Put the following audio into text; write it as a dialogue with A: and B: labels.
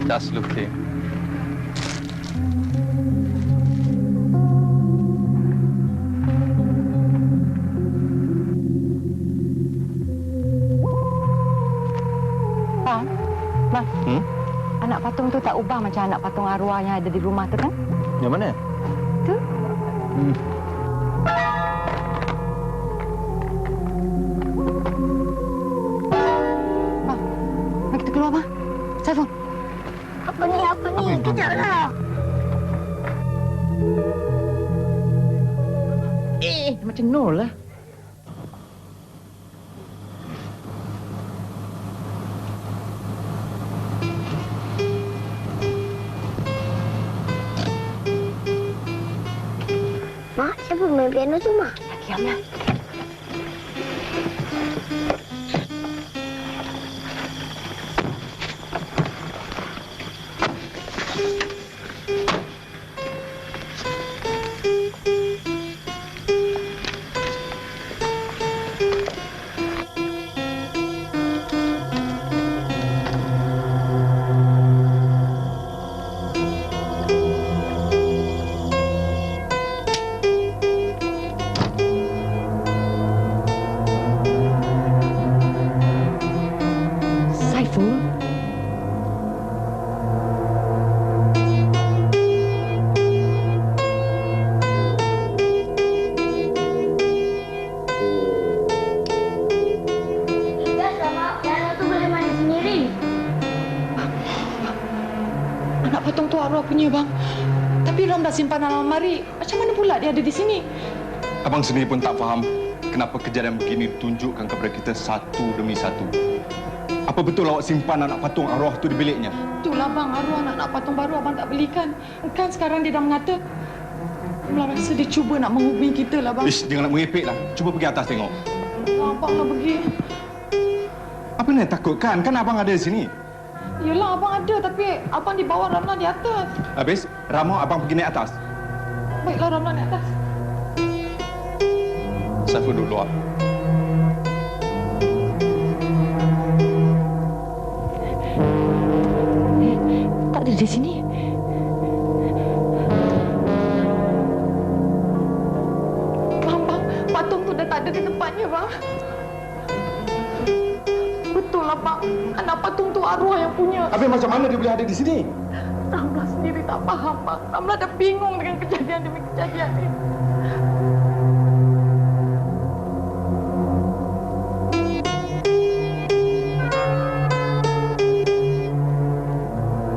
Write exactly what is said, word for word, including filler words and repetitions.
A: Just looking.
B: Bang, bang.
A: Hmm?
B: Anak patung tu tak ubah macam anak patung arwah yang ada di rumah tu kan?
A: Yang mana?
B: Tu.
A: Hmm.
B: Bang, mari kita keluar, bang. Saiful.
C: Apa ni, apa ni? Kejaplah.
B: Eh, macam Nur lah.
C: Mak, siapa main piano tu, Mak?
B: Diamlah. Saiful.
C: Biasa, Mak. Piano tu boleh main sendiri.
B: Anak patung tu arwah punya, bang. Tapi Ram dah simpan dalam almari. Macam mana pula dia ada di sini?
A: Abang sendiri pun tak faham kenapa kejadian begini ditunjukkan kepada kita satu demi satu. Apa betul awak simpan anak patung arwah tu di biliknya?
B: Itulah, bang. Arwah anak patung baru abang tak belikan. Kan sekarang dia dah mengata. Abang rasa dia cuba nak menghubungi kita lah, bang.
A: Ish, jangan nak merepek lah. Cuba pergi atas tengok.
B: Abang nak pergi.
A: Apa nak takutkan? Kan abang ada di sini.
B: Yelah, abang ada. Tapi abang di bawah, Ramlah di atas.
A: Habis, Rama abang pergi naik atas.
B: Baiklah, Ramlah naik atas.
A: Saiful duduk luar.
B: Tak ada di sini. Bang, bang. Patung tu dah tak ada di tempatnya, bang. Betul lah, bang. Anak patung tu arwah yang punya.
A: Habis macam mana dia boleh ada di sini?
B: Ramlah sendiri tak faham, bang. Ramlah dah bingung dengan kejadian demi kejadian ni.